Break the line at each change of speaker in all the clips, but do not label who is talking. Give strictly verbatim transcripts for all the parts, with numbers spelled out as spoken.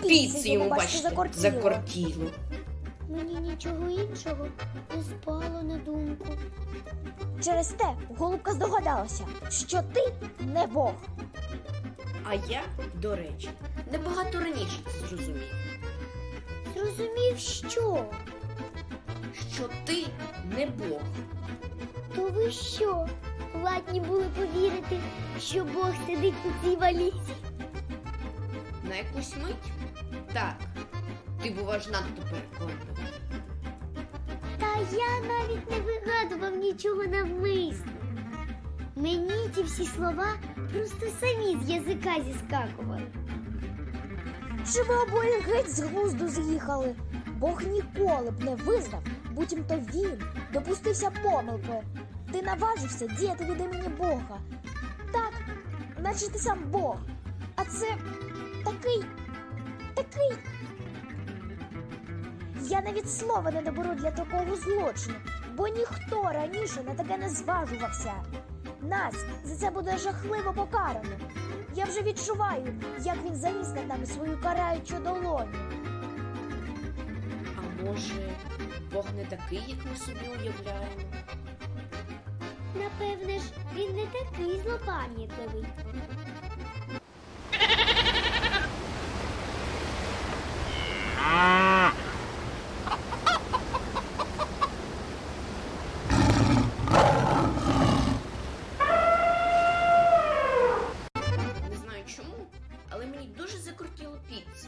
Піци йому, бачите, закортіло.
Мені нічого іншого не спало на думку.
Через те голубка здогадалася, що ти не Бог.
А я, до речі, набагато раніше це зрозумів.
Зрозумів, що?
Що ти не Бог.
То ви що, ладні були повірити, що Бог сидить у цій валізі?
На якусь мить? Так. Ти буваєш надто переконливий.
Та я навіть не вигадував нічого навмисно. Мені ті всі слова просто самі з язика зіскакували.
Чи ви обоє геть з глузду з'їхали? Бог ніколи б не визнав, буцімто він допустився помилки. Ти наважився діяти від імені Бога. Так, наче ти сам Бог. А це такий, такий... Я навіть слова не доберу для такого злочину, бо ніхто раніше на таке не зважувався. Нас за це буде жахливо покарано. Я вже відчуваю, як він заніс над нами свою караючу долоню.
А може, Бог не такий, як ми собі уявляємо?
Напевне ж, він не такий злопам'ятливий.
Не знаю чому, але мені дуже закортіло піци.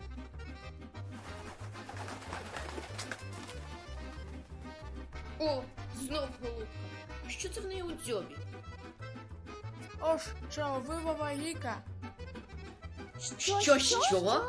О, знов голубка. А що це в неї у дзьобі?
Ож, що, вивова гіка?
Що, що?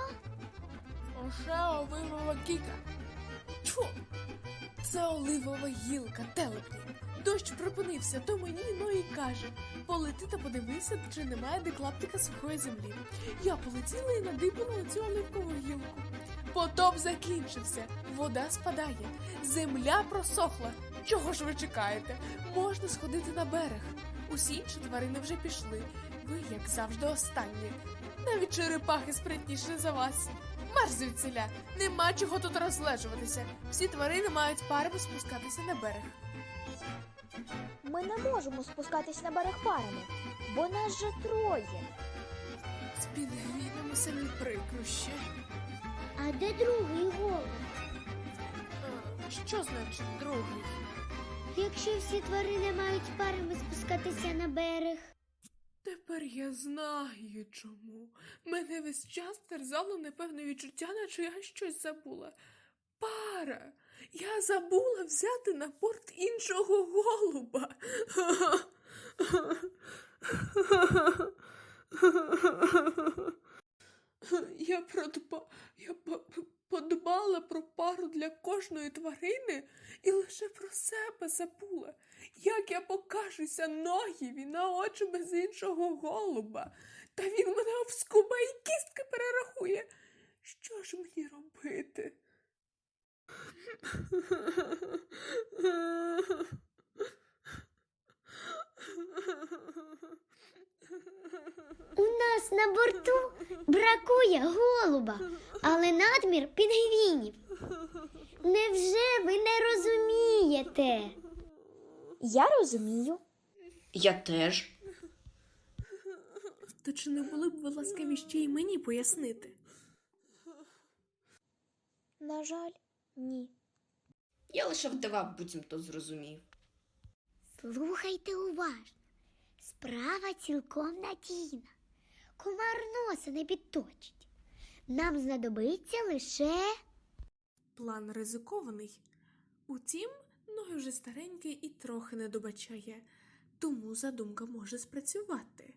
Оше оливова гіка. Тьфу! Це оливова гілка, телепні. Дощ припинився, то мені ну і каже: полети та подивися, чи немає де клаптика сухої землі. Я полетіла і надибала на цю оливкову гілку. Потоп закінчився, вода спадає, земля просохла. Чого ж ви чекаєте? Можна сходити на берег. Усі інші тварини вже пішли. Ви, як завжди, останні. Навіть черепахи спритніші за вас. Марш звідсіля, нема чого тут розлежуватися. Всі тварини мають парами спускатися на берег.
Ми не можемо спускатись на берег парами, бо нас же троє.
З пінгвінами самі прикрощі.
А де другий голуб?
А, що значить другий?
Якщо всі тварини мають парами спускатися на берег.
Тепер я знаю чому. Мене весь час терзало непевне відчуття, наче я щось забула. Пара! Я забула взяти на борт іншого голуба. Я продба... я по- подбала про пару для кожної тварини і лише про себе забула. Як я покажуся Ноєві на очі без іншого голуба, та він мене обскубає і кістки перерахує. Що ж мені робити?
У нас на борту бракує голуба, але надмір пінгвінів. Невже ви не розумієте?
Я розумію.
Я теж.
То чи не були б ви ласкаві ще й мені пояснити?
На жаль, ні.
Я лише вдавав, буцімто зрозумів.
Слухайте уважно. Справа цілком надійна. Комар носа не підточить. Нам знадобиться лише...
План ризикований. Утім, Ной вже старенький і трохи не добачає, тому задумка може спрацювати.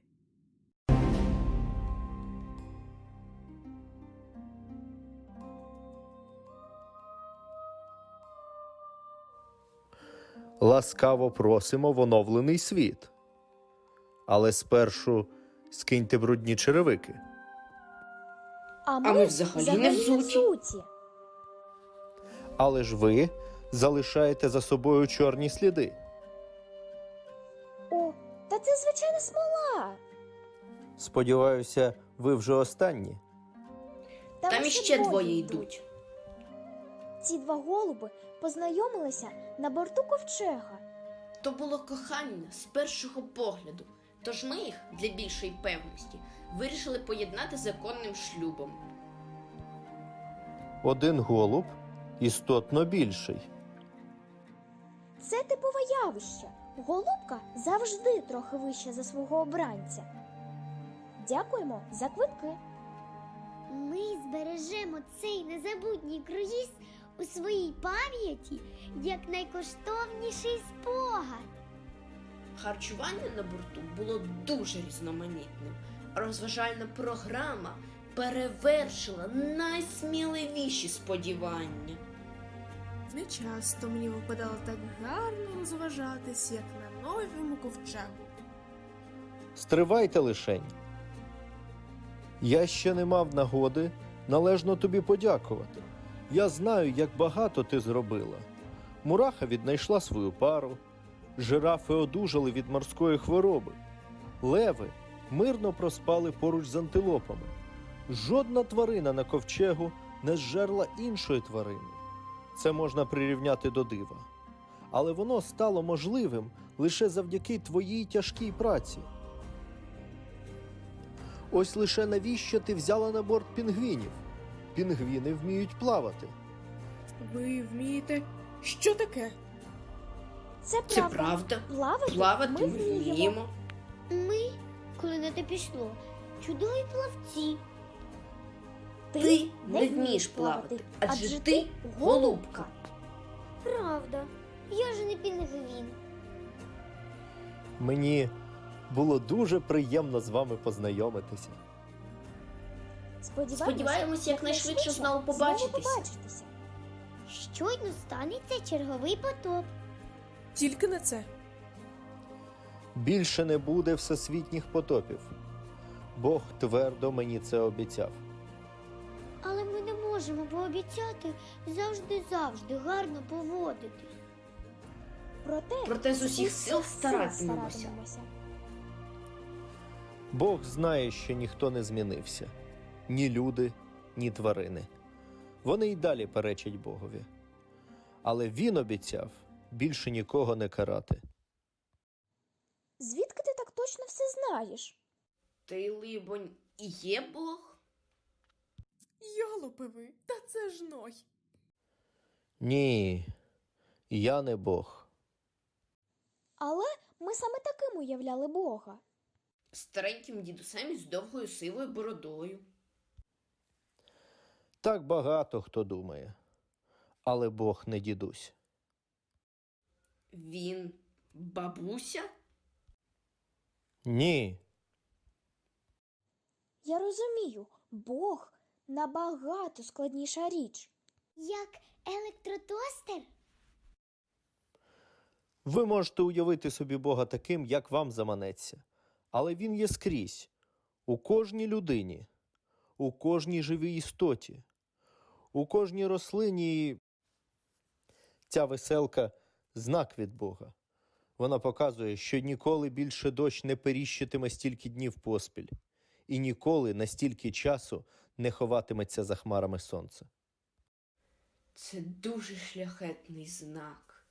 Ласкаво просимо в оновлений світ. Але спершу скиньте брудні черевики.
А ми,
А ми взагалі не взуті.
взуті.
Але ж ви залишаєте за собою чорні сліди.
О, та це звичайна смола.
Сподіваюся, ви вже останні.
Там іще двоє йдуть.
Ці два голуби познайомилися на борту ковчега.
То було кохання з першого погляду, тож ми їх, для більшої певності, вирішили поєднати законним шлюбом.
Один голуб істотно більший.
Це типове явище. Голубка завжди трохи вища за свого обранця. Дякуємо за квитки.
Ми збережемо цей незабутній круїз у своїй пам'яті як найкоштовніший спогад.
Харчування на борту було дуже різноманітним. Розважальна програма перевершила найсміливіші сподівання.
Не часто мені випадало так гарно розважатись, як на новому ковчегу.
Стривайте лишень. Я ще не мав нагоди належно тобі подякувати. Я знаю, як багато ти зробила. Мураха віднайшла свою пару, жирафи одужали від морської хвороби, леви мирно проспали поруч з антилопами. Жодна тварина на ковчегу не зжерла іншої тварини. Це можна прирівняти до дива. Але воно стало можливим лише завдяки твоїй тяжкій праці. Ось лише навіщо ти взяла на борт пінгвінів? Пінгвіни вміють плавати.
Ви вмієте? Що таке?
Це правда.
Це правда.
Плавати,
Плавати
ми
ми
вміємо.
вміємо.
Ми, коли на те пішло, чудові плавці.
Ти не вмієш плавати, адже ти голубка.
Правда, я ж не пінгвін.
Мені було дуже приємно з вами познайомитися.
Сподіваємося,
Сподіваємось, якнайшвидше знову побачитися.
Знову побачитися.
Щойно станеться черговий потоп.
Тільки на це.
Більше не буде всесвітніх потопів. Бог твердо мені це обіцяв.
Але ми не можемо пообіцяти завжди-завжди гарно поводитись.
Проте,
Проте з усіх сил старатимемося.
старатимемося.
Бог знає, що ніхто не змінився. Ні люди, ні тварини. Вони й далі перечать Богові. Але Він обіцяв більше нікого не карати.
Звідки ти так точно все знаєш?
Ти, либонь, і є Бог?
Йолопи ви, та це ж Ной.
Ні, я не Бог.
Але ми саме таким уявляли Бога.
Стареньким дідусем із довгою сивою бородою.
Так багато хто думає. Але Бог не дідусь.
Він бабуся?
Ні,
Я розумію, Бог набагато складніша річ.
Як електротостер?
ви можете уявити собі Бога таким, як вам заманеться. Але Він є скрізь. У кожній людині, у кожній живій істоті, у кожній рослині. І ця веселка – знак від Бога. Вона показує, що ніколи більше дощ не періщитиме стільки днів поспіль. І ніколи на стільки часу не ховатиметься за хмарами сонця.
Це дуже шляхетний знак.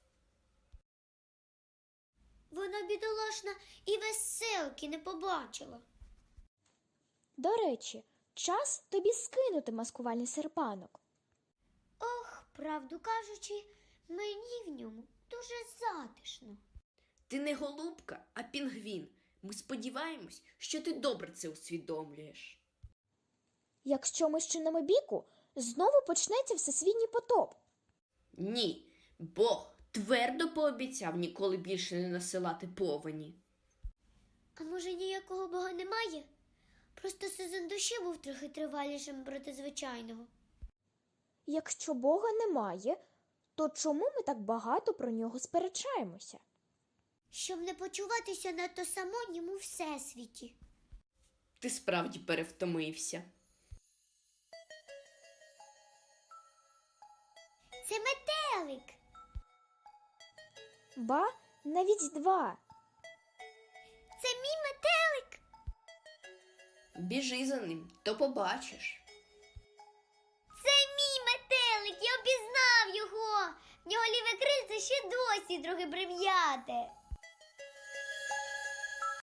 Вона бідолашна і веселки не побачила.
До речі, час тобі скинути маскувальний серпанок.
Ох, правду кажучи, мені в ньому дуже затишно.
Ти не голубка, а пінгвін. Ми сподіваємось, що ти добре це усвідомлюєш.
Якщо ми щинимо біку, знову почнеться всесвітній потоп.
Ні, Бог твердо пообіцяв ніколи більше не насилати повені.
А може ніякого Бога немає? Просто сезон дощу був трохи тривалішим проти звичайного.
Якщо Бога немає, то чому ми так багато про нього сперечаємося?
Щоб не почуватися надто самотнім у всесвіті.
Ти справді перевтомився.
Це метелик.
Ба, навіть два.
Це мій метелик.
Біжи за ним, то побачиш.
носі трохи прив'яти.